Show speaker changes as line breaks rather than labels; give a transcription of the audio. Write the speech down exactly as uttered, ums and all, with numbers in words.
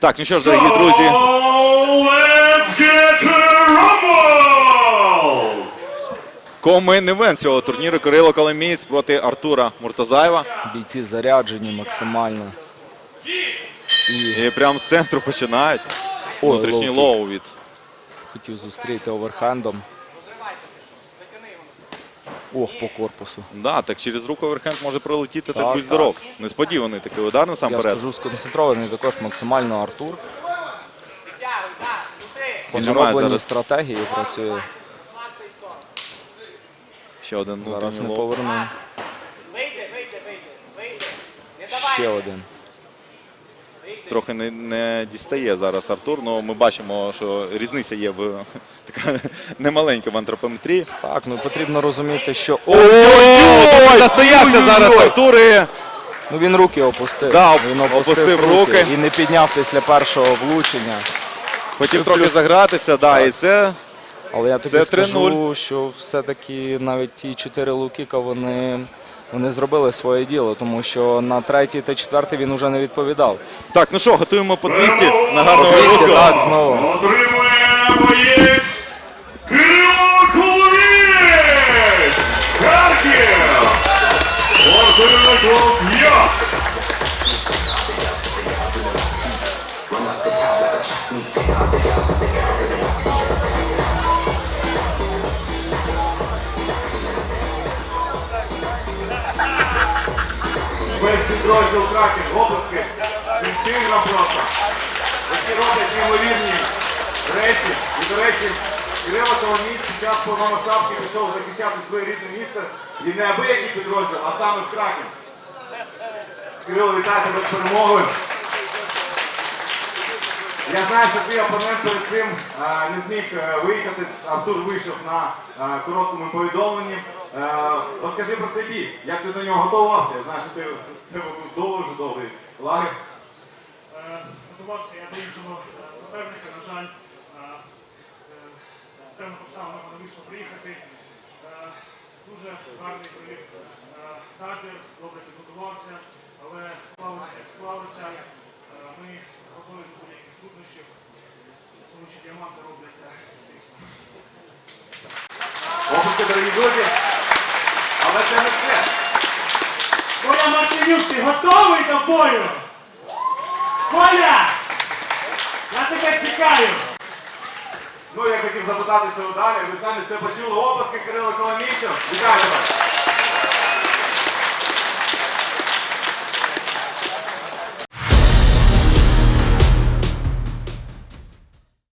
Так, ну що ж, дорогі друзі. Комен-івент цього турніру Кирило Коломієць проти Артура Муртазаєва.
Бійці заряджені максимально.
І, І прямо з центру починають.
О,
внутрішній
лоу
лоу від.
Хотів зустріти оверхендом. Ох, по корпусу.
Да, так через руку оверхенд може пролетіти, так,
Так,
будь здоров. Несподіваний такий удар насамперед.
Я скажу, сконцентрований також максимально Артур. По
Віджимає
наробленій
зараз.
стратегії працює.
Ще один
Зараз
внутрішній
не
лоу.
поверну. Ще один.
Трохи не, не дістає зараз Артур, але ми бачимо, що різниця є в така немаленька в антропометрії.
Так, ну потрібно розуміти, що...
Ой-ой-ой! Застоявся зараз Артур і...
Ну він руки опустив.
Да,
він
опустив руки.
І не підняв після першого влучення.
Хотів трохи загратися, да, і це...
Але я тобі
Це
скажу, що все-таки навіть ті чотири лоу-кіка, вони, вони зробили своє діло, тому що на третій та четвертий він уже не відповідав.
Так, ну що, готуємо по двісті на гарного
двісті,
руського.
так, знову.
Отримує боєць Кирило Коломієць! Харків! Артур п'ять! Весь підрозділ Краків, оплески, інстинктом просто. Які роблять неймовірні речі. І, до речі, Кирило Коломієць під час повномасштабки пішов захищати своє рідне місто. І не абиякий підрозділ, а саме в Краків. Кирило, вітаю тебе з перемогою. Я знаю, що твій опонент перед цим а, не зміг а, виїхати. Артур вийшов на а, короткому повідомленні. А, розкажи про цей бій. Як ти до нього готувався? Я знаю, що ти, ти був дуже довгий лагерь.
Готувався я до іншого суперника, на жаль, з певних обставин не вийшло приїхати. Дуже гарний провів табір, добре підготувався, але склалося, як склалося. Ми готові до будь-яких труднощів, тому що діаманти робляться.
Опуски, дорогі друзі, але це не все.
Коля Мартинюк, ти готовий до бою? Коля! Я тебе чекаю!
Ну, я хотів запитати, що далі. Ви самі все почули. Опуски Кирило Коломійця. Вітаю тебе!